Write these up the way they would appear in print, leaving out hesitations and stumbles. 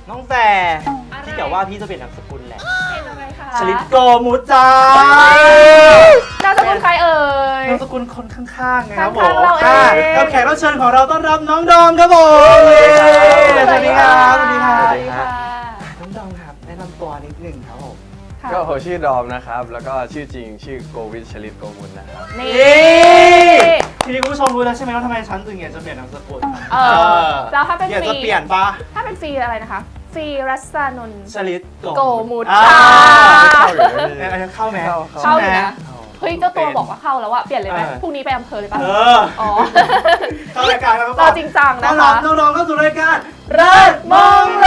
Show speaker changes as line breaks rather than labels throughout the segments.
น้องแฟร์ที่กล่าวว่าพี่จะเปลี่ยนนามสกุลแหละ
เป็นอะไรคะ
ชลิดโกมุจจ้าน
ามสกุลใครเอ่ย
นามสกุลคนข้างๆนะครับผม
ข้างๆเราเอง
กับแขกรับเชิญของเราต้อนรับน้องดอมครับผม สวัสดีครับสวัสดีครับ
สวัสดีค่ะ
น้องดอมครับแนะนำตัวนิดหนึ่งครับผม
ก็ผมชื่อดอมนะครับแล้วก็ชื่อจริงชื่อโกวิทชลิตโกมุลนะครับ
นี่
ทีนี้คุณผู้ชมรู้แล้วใช่ไหมว่าทำไมฉันถึงอยากจะเปลี่ยนนามสกุล
แล้วถ้าเป็น
อยาก
ฟรี
จะเปลี่ยนปะ
ถ้าเป็นฟรีอะไรนะคะฟรีรัสานนท์
ชลิด
โกมุจ
อ่า
ค่ะ
เข้าไหม
เข้าอยู่นะ
เข้า
เฮ้ยเจ้าตัวบอกว่าเข้าแล้วอะเปลี่ยนเลยไหม
เออ
พรุ่งนี้ไปอำเภอเลยปะ
เออ
อ๋อ
เข้ารายการครับ
เราจริงจัง
ต้
นะ
อนรั
คะ
บน้องๆเข้าสู่รายการ
เลิศมองโล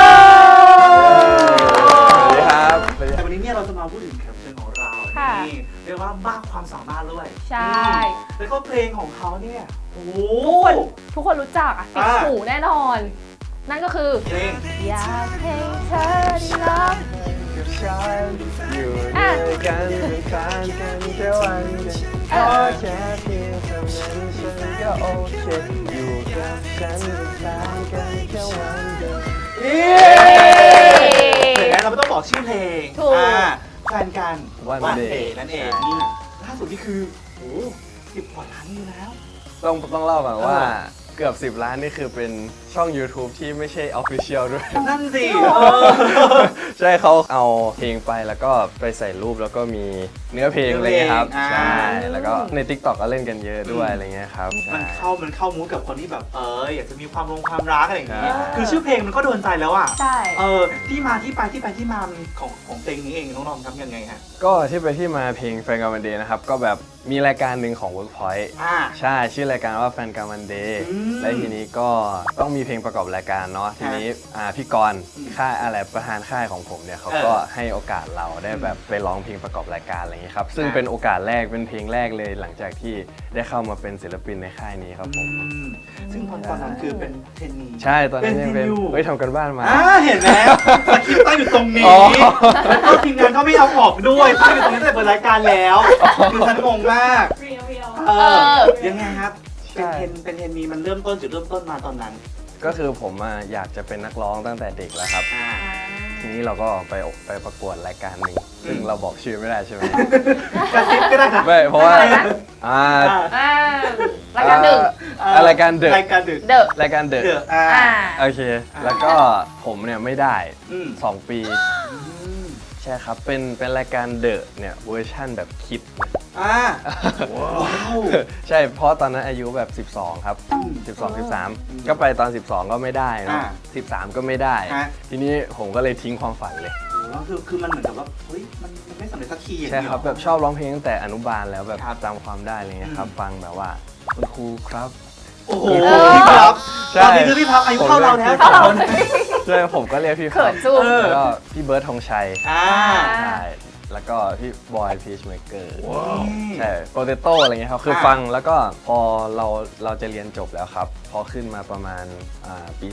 สวัสดีครับ
แต่วันนี้เนี่ยเราจะมาพูดถึงแขกรับเชิญของเรา
ค่ะ
นี่เรียกว่ามากความสามารถด้วย
ใช่
แล้วก็เพลงของเขาเนี่ยโอ้โห
ทุกคนรู้จักอะติดหูแน่นอน นั่นก็คือ
เพลง
อยากให้เธอได้รัก
กับฉันอยู่ด้วยกันเป็นแฟนกันแค่วันเดียวขอแค่เพียงเท่านั้นฉันก็โอเคอยู่กับฉันเป็นแฟนกันแค่วันเดียว
เย้เพลงนั้นเราไม่ต้องบอกชื่อเพลง
ถูก
แฟนกัน
วันเดย์
นั่นเองนี่ล่าสุดนี่คือโอ้10 กว่าล้านวิวแล้ว
ต้องเล่าก่อนว่าเกือบ10 ล้านนี่คือเป็นช่อง YouTube ที่ไม่ใช่ Official ด้วย
นั่นสิ
ใช่เขาเอาเพลงไปแล้วก็ไปใส่รูปแล้วก็มีเนื้อเพลงอะไรเงี้ยครับ ใช่ แล้วก็ใน TikTok ก็เล่นกันเยอะด้วยอะไรเงี้ยครับ
มันเข้ามูดกับคนที่แบบอยากจะมีความความรักอะไรอย่างงี้
ใช่
คือชื่อเพลงมันก็โดนใจแล้วอ่ะ
ใช่
ที่มาที่มาของเพลงนี้เองน้องๆทำยังไงฮะ
ก็ที่ไปที่มาเพลงแฟนกันวันเดย์นะครับก็แบบมีรายการหนึ่งของ Workpoint ใช่ชื่อรายการว่าแฟนกันวันเดย์
อืม
และทีนี้ก็ต้องมีเพลงประกอบรายการเนาะทีนี้พี่กรณ์ค่ายอะไรประธานค่ายของผมเนี่ยเขาก็ให้โอกาสเราได้แบบไปร้องเพลงประกอบรายการอะไรอย่างนี้ครับซึ่งเป็นโอกาสแรกเป็นเพลงแรกเลยหลังจากที่ได้เข้ามาเป็นศิลปินในค่ายนี้ครับผม
ซึ่งตอนนั้นคือเป็นเทรนนี
ใช่ตอนนั้นยังเป็น
เทรนนีอยู่
เฮ้ยทำกันบ้านมา
เห็นไหมสคริปต์ตั้งอยู่ตรงนี้
อ๋อ
แล้วก็ทีมงานเขาไม่เอาออกด้วยตั้งอยู่ตรงนี้ตั้งแต่เปิดรายการแล้วคือฉันงงมาก ยังไงครับ เป็นเทรนนีมันเริ่มต้นจุดเริ่มต้นมาตอนนั้น
ก็คือผมอยากจะเป็นนักร้องตั้งแต่เด็กแล้วครับ ทีนี้เราก็ไปประกวดรายการหนึ่งซึ่งเราบอกชื่อไม่ได้ใช่ไหม
กระซิบก็ได้นะ
ไม่เพราะว่า
อะไรนะ
อ่า
รายการหนึ่ง
รายการเดอะ
รายการดึก
เดอะ
รายการเดอะ
เดือ
โอเค แล้วก็ผมเนี่ยไม่ได้
อืม
2 ปีใช่ครับเป็นรายการเดอะเนี่ยเวอร์ชั่นแบบคิด
ว้าว
ใช่เพราะตอนนั้นอายุแบบ 12 ครับ 12 13 ก็ไปตอน 12 ก็ไม่ได้เนอะ13 ก็ไม่ได้ ทีนี้ผมก็เลยทิ้งความฝันเลย
คือมันเหมือนกับว่าเฮ้ยมันไม่สำเร็จสักทีอย่าง
ใช่
เงี้ย
ครับแบบชอบร้องเพลงตั้งแต่อนุบาลแล้วแบบ
ครับ
จำความได้อะไรเงี้ยครับฟังแบบว่าคุณครูครับ
โอ้โหพี่พับ
ใช่
ตอนนี้คือพี่พับอายุเท่าเราแล้ว
เข้าเรา
คน
ใช่ผมก็เรียกพี่
เขินจุ้ม
แล้วก็พี่เบิร์ดธงชัย ใช่ แล้วก็พี่บอยพีชเมเกอร์ใช่โปเตโต้อะไรเงี้ยครับ คือฟังแล้วก็พอเราจะเรียนจบแล้วครับ พอขึ้นมาประมาณปี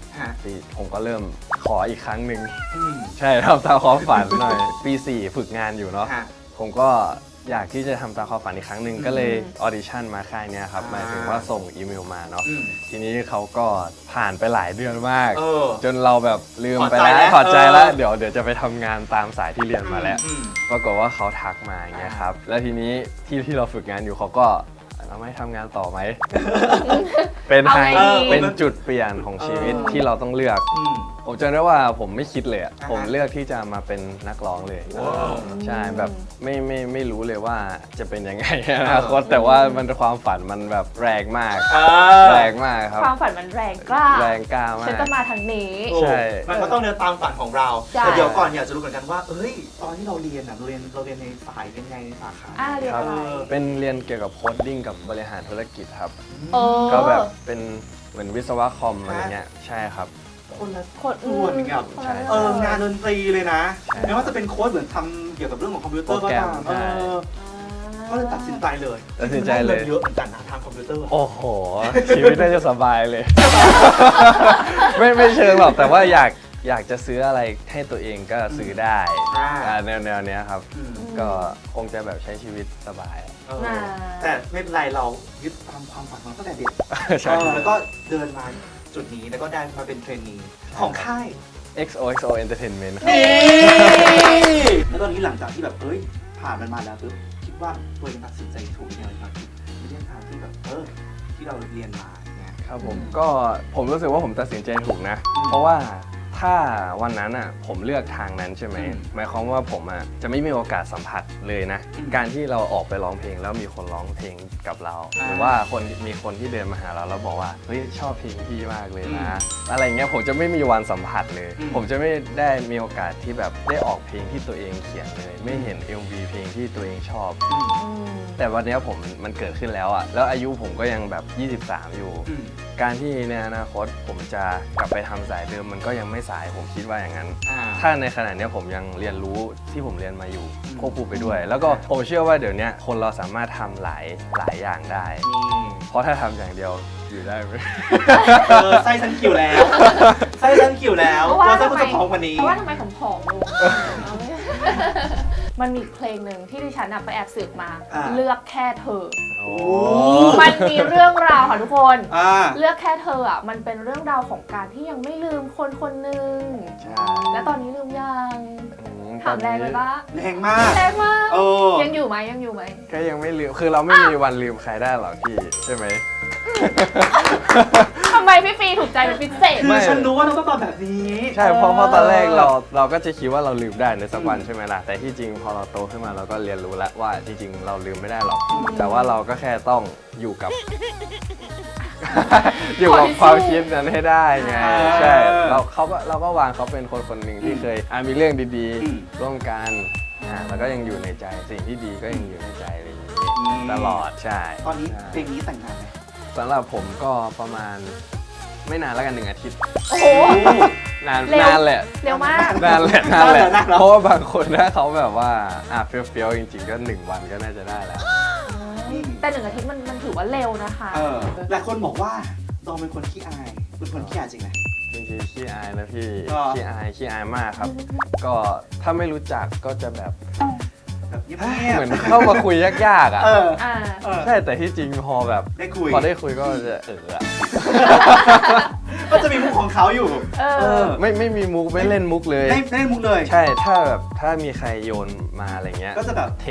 3ปีผมก็เริ่มขออีกครั้งหนึ่งใช่ทำตามความฝันหน่อย ปี4ฝึกงานอยู่เนาะผมก็อยากที่จะทำตามความฝันอีกครั้งหนึ่งก็เลยออดิชั่นมาค่ายเนี้ยครับหมายถึงว่าส่งอีเมลมาเนาะทีนี้เขาก็ผ่านไปหลายเดือนมาก จนเราแบบลืมไปแล้วถอดใจแล้วเดี๋ยวจะไปทำงานตามสายที่เรียนมาแล้ว ปรากฏว่าเขาทักมาอย่างเงี้ยครับ แล้วทีนี้ที่เราฝึกงานอยู่เขาก็เราไม่ทำงานต่อไหม เป็น
เอาไงดี
เป็นจุดเปลี่ยนของชีวิตที่เราต้องเลือก ผมจำได้ว่าผมไม่คิดเลยอะผมเลือกที่จะมาเป็นนักร้องเลยใช่แบบไม่รู้เลยว่าจะเป็นยังไงอนาคตแต่ว่ามันความฝันมันแบบแรงมากแรงมากครับ
ความฝันมันแรงกล้า
แรงกล้ามาก
ฉันจะมาทางนี้
ใช่
มันก็ต้องเดินตามฝันของเรา
ใช่
แต่เดี๋ยวก่อนอยากจะรู้เหมือนกันว่าเอ้ยตอนที่เราเรียนเราเรียนในสายเป็นไงในสาขา
เรียนอะไร
เป็นเรียนเกี่ยวกับโคดดิ้งกับบริหารธุรกิจครับ
เออ
ก็แบบเป็นเหมือนวิศวะคอมอะไรเงี้ยใช่ครับ
คนละ
คน
ส่วนกับ
ใช่
งานดนตรีเลยนะ
ใช่
ไม่ว่าจะเป็นโค้ดเหมือนทำเกี่ยวกับเรื่องของคอมพิวเตอร์ก็ตาม
โปรแกรมใช่
ก็เลยตัดสินใจเลย
ตัดสินใจเลย
เยอะเหมือนกันนะทางคอมพิวเตอร์
โอ้โห ชีวิตน่าจะสบายเลย ไม่เชิงหรอกแต่ว่าอยากจะซื้ออะไรให้ตัวเองก็ซื้อได้แนวเนี้ยครับ ก็คงจะแบบใช้ชีวิตสบาย
แต่ไม่เป็นไรเรายึดตามความฝันของเราตั้งแต่เด็ก
ใช่
แล้วก็เดินมาจุดนี้แล้วก็ได้มาเป็นเทรนนีของค่าย
XOXO Entertainment ครับ
นี่แล้วตอนนี้หลังจากที่แบบผ่านมันมาแล้วปุ๊บคิดว่าตัวเองตัดสินใจถูกยังไงครับในเรื่องทางที่แบบที่เราเรียนมาอย่างเงี้ย
ครับผมรู้สึกว่าผมตัดสินใจถูกนะ เพราะว่าถ้าวันนั้นอ่ะผมเลือกทางนั้นใช่ไหม หมายความว่าผมอ่ะจะไม่มีโอกาสสัมผัสเลยนะ การที่เราออกไปร้องเพลงแล้วมีคนร้องเพลงกับเรา หรือว่ามีคนที่เดินมาหาเราแล้วบอกว่าเฮ้ยชอบเพลงพี่มากเลยนะ อะไรเงี้ยผมจะไม่มีวันสัมผัสเลย ผมจะไม่ได้มีโอกาสที่แบบได้ออกเพลงที่ตัวเองเขียนเลย ไม่เห็น MV เพลงที่ตัวเองชอบ แต่วันนี้มันเกิดขึ้นแล้วอ่ะแล้วอายุผมก็ยังแบบ23อยู่ การที่ในอนาคตผมจะกลับไปทำสายเดิมมันก็ยังไม่สายผมคิดว่าอย่างนั้น ถ้าในขณะนี้ผมยังเรียนรู้ที่ผมเรียนมาอยู่ควบคู่ไปด้วย แล้วก็ผมเชื่อว่าเดี๋ยวนี้คนเราสามารถทำหลายอย่างได้ เพราะถ้าทำอย่างเดียวอยู่ได้ไหม
ไส้ฉันขิวแล้วไส้ฉันขิวแล้วตัวไส้คุณจะผอมกว่านี้
เพราะว่าทำไมผมผอมลงมันมีเพลงหนึ่งที่ดิฉันไปแอบสืบมา เลือกแค่เธอ มันมีเรื่องราวค่ะทุกคน เลือกแค่เธออ่ะมันเป็นเรื่องราวของการที่ยังไม่ลืมคนคนหนึ่งและตอนนี้ลืมยังถามแรงเลยปะ
แรงมาก
แรงมาก
ยัง
ยังอยู่ไหม
ก็ยังไม่ลืมคือเราไม่มีวันลืมใครได้หรอกพี่ใช่ไหม
ทำไมพี่ฟีถูกใจเป็นพิเศษ
คือฉันรู้ว่าน้องต้องตอบแบบนี้
ใช่เพราะตอนแรกเราก็จะคิดว่าเราลืมได้ในสักวันใช่ไหมล่ะแต่ที่จริงพอเราโตขึ้นมาเราก็เรียนรู้แล้วว่าจริงๆเราลืมไม่ได้หรอกแต่ว่าเราก็แค่ต้องอยู่กับ อยู่กับความคิดนั้นให้ได้ไงใช่เราก็วางเขาเป็นคนหนึ่งที่เคยมีเรื่องดีๆร่วมกันแล้วก็ยังอยู่ในใจสิ่งที่ดีก็ยังอยู่ในใจอะไรอย่างนี้ตลอดใช่
ตอนนี้เพลงนี้แต่งงานไหม
สำหรับผมก็ประมาณไม่นานแล้วกัน1 อาทิตย์
โอ้โห
นาน
เร็ว
แหละ
เร็วมาก
นานแหละเพราะว่าบางคนถ้าเขาแบบว่าเฟี้ยวๆจริงๆก็1 วันก็น่าจะได้แล้ว
แต่1 อาทิตย์มันถือว่าเร็วนะคะ
หลายคนบอกว่าดอมเป็นคนขี้อายเป็นคนขี้อายจริงไหม
จริงๆขี้อายนะพี่
ก็
ขี้อายมากครับ ก็ถ้าไม่รู้จักก็จะแบบ
แบบเงียบ
เหมือนเข้ามาคุยยากๆอ่ะ
อ่า
ใช่แต่ที่จริงพอแบบ
ได้คุย
พอได้คุยก็จะอะ
ก็จะมีมุกของเขาอยู่
ไม่มีมุกไม่เล่นมุกเลย
ไม่เล่นมุกเลย
ใช่ถ้ามีใครโยนมาอะไรเงี้ย
ก็จะแบบ
เท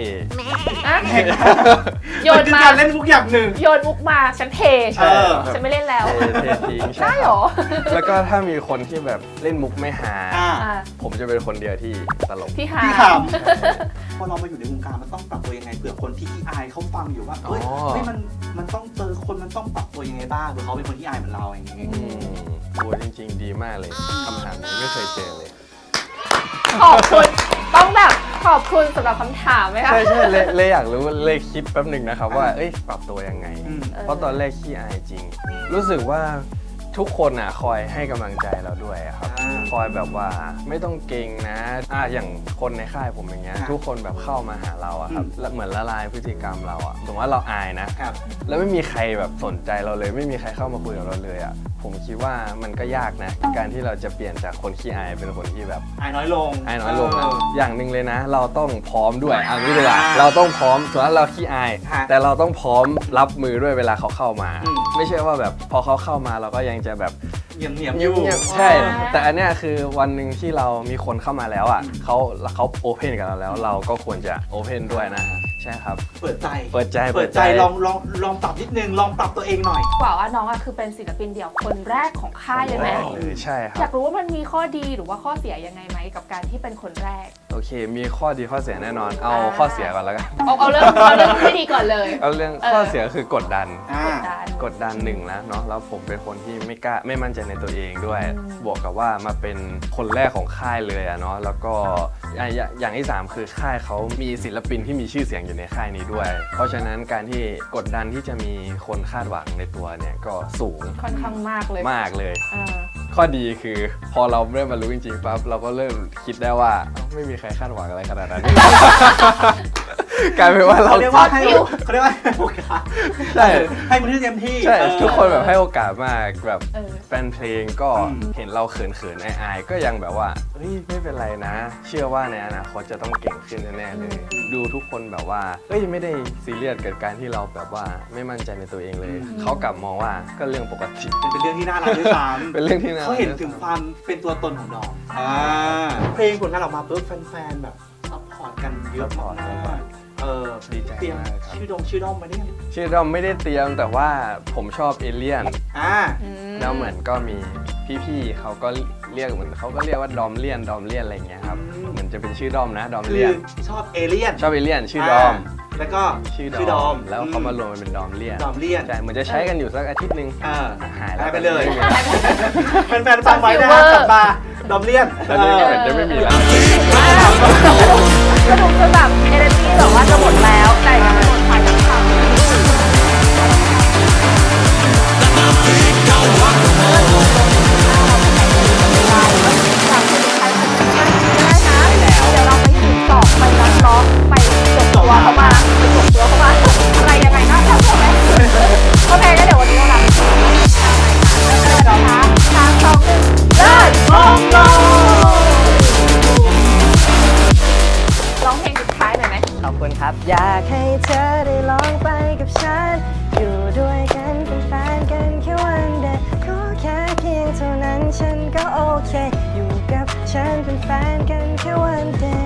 โยนมา
การเล่นมุกอย่างหนึ่ง
โยนมุกมาฉันเท ฉันไม่เล่นแล้ว
เททิ้ง
ได้เหรอ
แล้วก็ถ้ามีคนที่แบบเล่นมุกไม่หา
อ่า
ผมจะเป็นคนเดียวที่ตลก
พี่หา
พี่ขำพอเรามาอยู่ในวงการมันต้องปรับตัวยังไงเผื่อคนที่ขี้อายเขาฟังอยู่ว่าเฮ้ยมันต้องเจอคนมันต้องปรับตัวยังไงบ้างเผื่อเขาเป็นคนที่อายเหมือนเราอย่างเงี้ย
โอ้จริงๆดีมากเลยคำถามนี้ไม่เคยเจอเลย
ขอบคุณต้องแบบขอบคุณสำหรับคำถามไหมคะ
ใช่เลยอยากรู้เลยคิดแป๊บหนึ่งนะครับว่าปรับตัวยังไง เพราะตอนแรกขี้อายจริง รู้สึกว่าทุกคนอ่ะคอยให้กำลังใจเราด้วยครับคอยแบบว่าไม่ต้องเก่งนะอย่างคนในค่ายผมอย่างเงี้ยทุกคนแบบเข้ามาหาเราอะครับเหมือนละลายพฤติกรรมเราอะสมมติว่าเราอายนะแล้วไม่มีใครแบบสนใจเราเลย ไม่มีใครเข้ามาคุยกับเราเลยอะผมคิดว่ามันก็ยากนะการที่เราจะเปลี่ยนจากคนขี้อายเป็นคนที่แบบ
อายน้อยลง
นะอย่างหนึ่งเลยนะ เราต้องพร้อมด้วยนี่ดีกว่าเราต้องพร้อมส่วนเราขี้อายแต่เราต้องพร้อมรับมือด้วยเวลาเขาเข้ามาไม่ใช่ว่าแบบพอเขาเข้ามาเราก็ยังจะแบบ
เงียบอยู่
ใช่แต่อันเนี้ยคือวันหนึ่งที่เรามีคนเข้ามาแล้วอ่ะเขาโอเพนกับเราแล้วเราก็ควรจะโอเพนด้วยนะใช่ครับ
เปิดใจลองปรับนิดนึงลองปรับตัวเองหน่อย
กว่าน้องคือเป็นศิลปินเดี่ยวคนแรกของค่ายเลยไหม
ใช่ครับ
อยากรู้ว่ามันมีข้อดีหรือว่าข้อเสียยังไงไหมกับการที่เป็นคนแรก
โอเคมีข้อดีข้อเสียแน่นอนเอาข้อเสียก่อนแล้วกัน
เอาเรื่องไม่ดีก่อนเลย
เอาเรื่องข้อเสียคือกดดันหนึ่งแล้วเนาะแล้วผมเป็นคนที่ไม่มั่นใจในตัวเองด้วยบวกกับว่ามาเป็นคนแรกของค่ายเลยอะเนาะแล้วก็อย่างที่3คือค่ายเขามีศิลปินที่มีชื่อเสียงอยู่ในค่ายนี้ด้วยเพราะฉะนั้นการที่กดดันที่จะมีคนคาดหวังในตัวเนี่ยก็สูง
ค่อนข้างมากเลย
ข้อดีคือพอเราเริ่มมารู้จริงๆปั๊บเราก็เริ่มคิดได้ว่าไม่มีใครคาดหวังอะไรขนาดนั้นกลายเป็นว่าเรา
เขาเรียกว่าให้โอกาส
ใช่
ให้มันที่เต็มที่
ใช่ทุกคนแบบให้โอกาสมากแบบ
เออ
แฟนเพลงก็เห็นเราเขินๆอายๆก็ยังแบบว่าเฮ้ยไม่เป็นไรนะ เชื่อว่าในอนาคตจะต้องเก่งขึ้นแน่ๆเลย ดูทุกคนแบบว่าเฮ้ยไม่ได้ซีเรียสกับการที่เราแบบว่าไม่มั่นใจในตัวเองเลยเขากลับมองว่าก็เรื่องปกติ
เป็นเรื่องที่น่ารักด้วยซ้ำ
เป็นเรื่องที่น่า
เขาเห็นถึงความเป็นตัวตนของน้องเพลงผลงานออกมาปุ๊บแฟนๆแบบซัพพอร์ตกันเยอะมากๆ
ดีใจ
เตรียม
มากครับ
ชื่อด้อมมาเนี่ยง
ชื่อด้อมไม่ได้เตรียมแต่ว่าผมชอบเอเลี่ยน
อืม
แล้วเหมือนก็มีพี่ๆเขาก็เรียกเหมือนเขาก็เรียกว่าดอมเลียนอะไรอย่างเงี้ยครับเหมือนจะเป็นชื่อด้อมนะดอม
คื
เลีย
อน ชอบเอเลี่ยน
ชอบเอเลี่ยนชื่อดอม
แล้วก็
ชื่อ
ด
ด
อ
อ
ม
มแล้วเขามารวมกันเป็นดอมเลียน
ดอมเลี่ยน
ใช่เหมือนจะใช้กันอยู่สักอาทิตย์หนึง หายแล้ว
ไปเลย
ไม่มี
แฟนๆฟังไว้นะฮะกลับมาดอมเลี่ยน
แล้วนี่เหมือนจะไม่มีแล้ว
สนุกจนแบบเอเนอร์จีแบบว่าจะหมดแล้วแต่ยังไม่หมดไปทั้งคำเดี๋ยวเราไปถึงสอบไปนักร้องไปจบตัวเข้ามาอะไรยังไงนะโอเคก็เดี๋ยววันนี้เราลาไปก่อนนะคะ3 2 1เริ่มร้องเพลงสุดท้ายหน่อยไหม
ขอบคุณครับ อยากให้เธอได้ลองไปกับฉัน อยู่ด้วยกันเป็นแฟนกันแค่วันเดียวขอแค่เพียงเท่านั้นฉันก็โอเค อยู่กับฉันเป็นแฟนกันแค่วันเดียว